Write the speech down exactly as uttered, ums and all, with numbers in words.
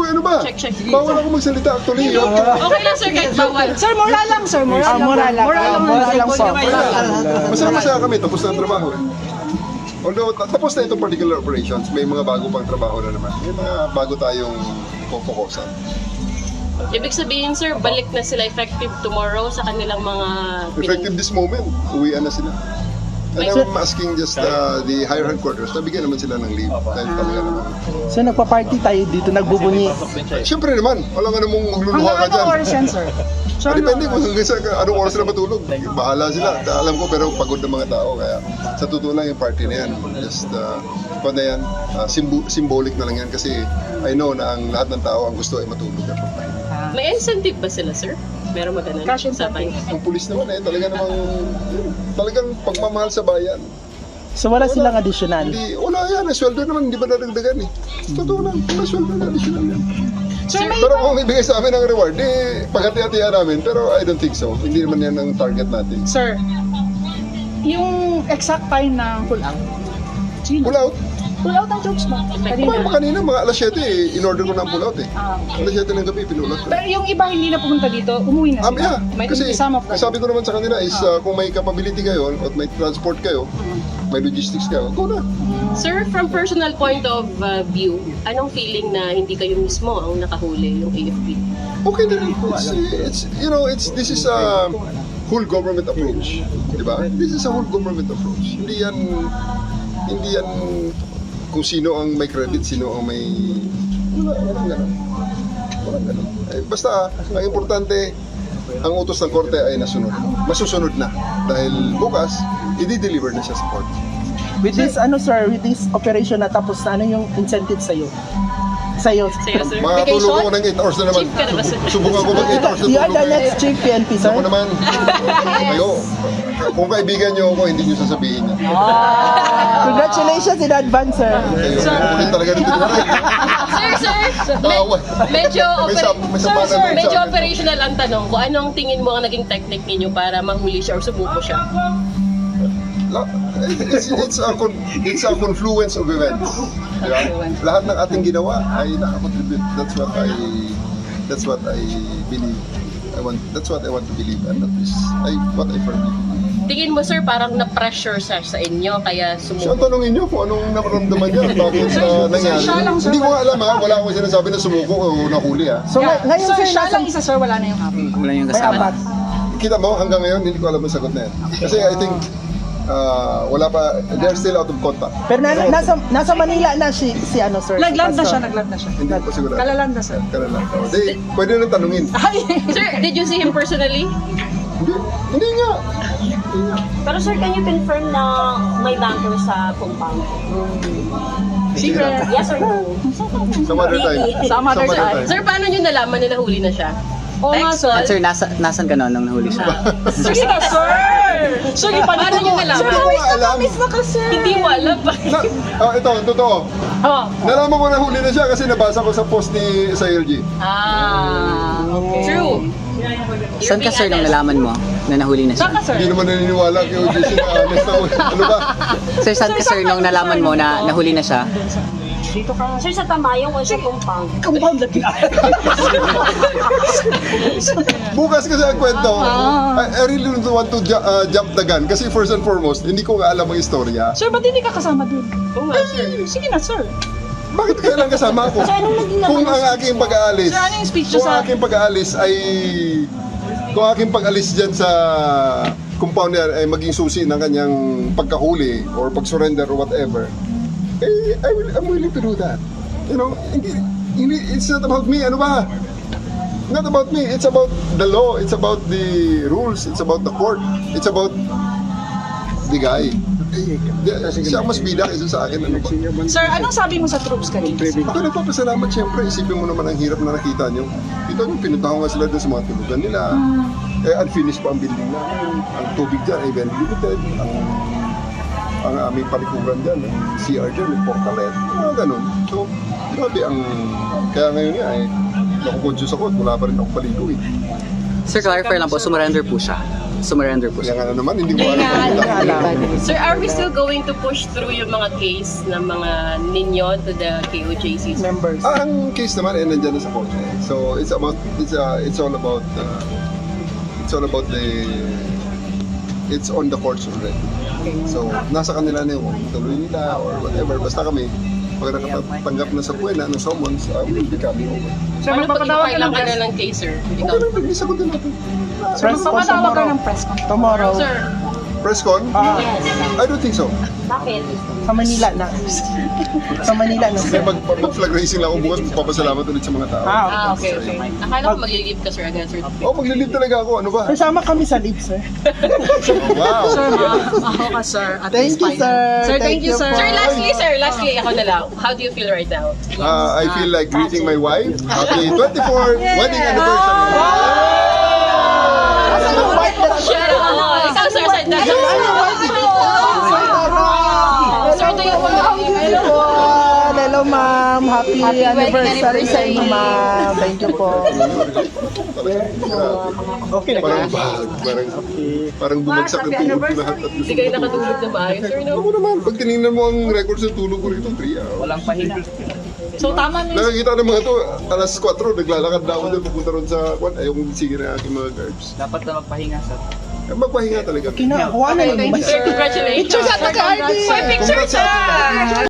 Uy, ano ba? Check, check. Bawal ako magsalita actually. Okay lang, sir, kahit bawal. Sir, moral lang, sir. Moral Ah, lang. moral lang. Moral lang. Moral lang po. Masaya-masaya kami, tapos na ang trabaho eh. Although, ta- tapos na itong particular operations, may mga bago pang trabaho na naman. May mga bago tayong pupukosan. Ibig sabihin, sir, balik na sila effective tomorrow sa kanilang mga... Effective this moment, uwian na sila. And I'm asking just uh, the higher headquarters, nabigyan naman sila ng leave. Dahil talaga naman. So nagpa-party tayo dito, nagbubunyi. Siyempre naman, wala nga namang magluluha ka Hanggang dyan. anong oras yan, sir? Sir, Ah, Depende kung hanggang sa anong oras sila matulog. Bahala sila. Alam ko, pero pagod ng mga tao. Kaya sa totoo lang yung party na yan. Just, uh, kung na yan, uh, simbo- symbolic na lang yan. Kasi I know na ang lahat ng tao ang gusto ay matulog at magpahinga. May incentive ba sila, sir? Meron ba ganun? Cash Usapan? incentive. Ang pulis naman eh, talaga namang, talagang pagmamahal sa bayan. So wala silang additional. Hindi, wala yan. Ang sweldo naman, hindi ba nadagdagan eh. Totoo lang, wala sweldo na additional yan. Sir, may Pero iba. kung ibigay sa amin ang reward, eh, paghati-hatihan namin. Pero I don't think so. Hindi naman yan ang target natin. Sir, yung exact time ng pull out. Sino? Pull out. Pull out ang jokes mo. Kumain Kanina. pa kanina, mga alas siyete eh. In-order ko na ang pull out eh. Ah, okay. Alas siyete ng gabi, pinulat ko. Pero yung iba hindi na pumunta dito, umuwi na Ah, sila. yeah. May Kasi isama pa. sabi ko naman sa kanila is uh, kung may capability kayo at may transport kayo, may logistics kayo, go na. Sir, from personal point of uh, view, anong feeling na hindi kayo mismo ang nakahuli, yung A F P? Okay na rin. It's, it's, you know, it's, this is a whole government approach. Diba? This is a whole government approach. Hindi yan, hindi yan kung sino ang may credit, sino ang may... Wala, walang ganun. Walang ganun. Eh, basta, ang importante, ang utos ng korte ay nasunod. Masusunod na. Dahil bukas, i-deliver na siya sa korte. With this, ano sir, with this operation na tapos na, ano yung incentive sa'yo? Sa'yo? Sa'yo, sir? Makatulog ako ng eight hours na naman. Chief ka na ba, sir? Subukan ko mag eight hours na You are tulog. the next chief P N P, sir? Ako naman. Kayo. Kung kaibigan niyo ako, hindi niyo sasabihin niya. Congratulations in advance, sir. Kayo, ulit talaga nito. Sir, sir, Tawa. medyo, May opera- sap- may sir, sapanan sir, doon sa medyo akin. operational ang tanong ko. Anong tingin mo ang naging technique ninyo para mahuli siya or sumuko siya? La- It's, it's, a, con- it's a confluence of events. Diba? Lahat ng ating ginawa ay nakakontribute. That's what I that's what I believe. I want that's what I want to believe, and that is I, what I firmly believe. Tingin mo, sir, parang na-pressure siya sa inyo, kaya So, sumuko? tanongin niyo kung anong nakaramdaman niya, bakit uh, nangyari. siya lang, sir. Hindi ko nga alam ha, wala akong sinasabi na sumuko o nahuli ha. So Yeah. ngay- ngayon, Sir, sir, siya nasa... lang isa, sir, wala na yung apat. Wala yung May kasama. apat. Kita mo, hanggang ngayon, hindi ko alam ang sagot na yan. Kasi I think, uh, wala pa, they're still out of contact. Pero na, nasa, nasa Manila na si, si ano, sir? si Nagland na Pastor. siya, nagland na siya. Hindi ko pa sigurado. Kalaland na, sir. Kalala. Oh, di, pwede na tanungin. Ay! Sir, did you see him personally? Hindi, hindi nga. Pero sir, can you confirm na may banker sa compound? Secret. Yes or no? Some other time. Some other time. Sir, paano nyo nalaman na nahuli na siya? Oo nga, Text sir. At sir, nasa, nasan ka noon nung nahuli siya? Sige na, sir! Sir, Paano nyo nalaman? Hindi ko nga alam. na ka, sir. Hindi mo alam ba? Na, oh, ito, ang totoo. Oh. Nalaman ko na huli na siya kasi nabasa ko sa post ni sa L G. Ah, okay. True. Saan ka sir nung nalaman mo na nahuli na Saan ka, siya? sir? Hindi naman naniniwala kay O J C na honest na ano ba? Sir, saan ka sir nung nalaman mo na nahuli na siya? Dito ka. Sir, sa Tamayong o sa compound? Compound lagi. Bukas kasi ang kwento. I, I really don't want to ju- uh, jump the gun kasi first and foremost, hindi ko nga alam ang istorya. Sir, ba't hindi ka kasama dun? Oo nga, sir. Eh, sige na, sir. Bakit kailan kasama ako? Sir, anong naging Kung laman ang aking pag-aalis, Sir, ano yung speech niyo kung ang sa- aking pag-aalis ay kung ang aking pag-alis dyan sa compound niya ay maging susi ng kanyang pagkahuli or pag-surrender or whatever, eh, I will, I'm willing to do that. You know, hindi, hindi, it's not about me, ano ba? Not about me, it's about the law, it's about the rules, it's about the court, it's about the guy. Eh, di- siya mas bida kaysa sa akin, ano ba? Sir, anong sabi mo sa troops kanina? Ako nagpapasalamat siyempre, isipin mo naman ang hirap na nakita nyo. Kita nyo, pinuntahan nga sila doon sa mga tulugan nila. Eh, unfinished pa ang building namin. Ang tubig dyan ay very limited. Ang, ang aming palikuran dyan, ang C R dyan, yung portalet, mga ganun. So, grabe ang... Kaya ngayon nga eh, naku-conscious ako at wala pa rin ako paligo eh. Sir, clarify lang po, sumurrender po siya. sumurrender po Kaya siya. nga naman, hindi ko alam kung Hindi nga alam. Sir, are we still going to push through yung mga case ng mga ninyo to the K O J C? Members. Ah, ang case naman ay nandiyan na sa korte. So it's about it's uh, it's all about uh, it's all about the it's on the courts already. So nasa kanila na yung tuloy nila or whatever. Basta kami pag nakatanggap na sa buwena ng summons, uh, we'll be coming over. Sir, Ano pag magpapatawag ka kailan ng ka press. na ng case, sir? Okay Ikaw. lang, nag-isagot din natin. Press con Magpapatawag ka tomorrow. ng press con. Tomorrow. Sir, Press con? Ah, I don't think so. Bakit? sa Manila na. Sa Manila na, Kasi sir. pag, pag mag-flag racing lang ako bukas, papasalamat ulit sa mga tao. Ah, ah, okay, okay. Akala ko mag-leave ka, sir, agad, sir. Oh, maglilib talaga ako. Ano ba? Kasama kami sa live, sir. Oh, wow. Sir, ako ka, sir. At Thank least you, fine. sir. Sir, thank you, po. sir. Sir, lastly, sir, lastly, ako na lang. How do you feel right now? Uh, I feel like greeting my wife. Happy twenty-fourth wedding anniversary. Asan yung white na Share ako. Ikaw, sir, sir. Ayan yung white. Sir, do you want to Hello po. Hello, ma'am. Happy, Happy wedding anniversary sa inyo, anniversary. ma'am. Thank you po. Okay na Parang ka? bahag, parang, parang bumagsak ng tuhod ko lahat. At Hindi kayo nakatulog na maayos, sir, no? Ako naman, pag tinignan mo ang records ng tulog ko rito, three hours. Walang pahinga. So, tama na yung Nakakita ng mga to, alas four, naglalakad na ako doon, pupunta ron sa, kwan, ayaw kong sige na aking mga guards. Dapat na magpahinga sa Eh, Magpahinga talaga. Kinakuha na yung Sir, congratulations. Picture sa taga-artist. Picture, sir!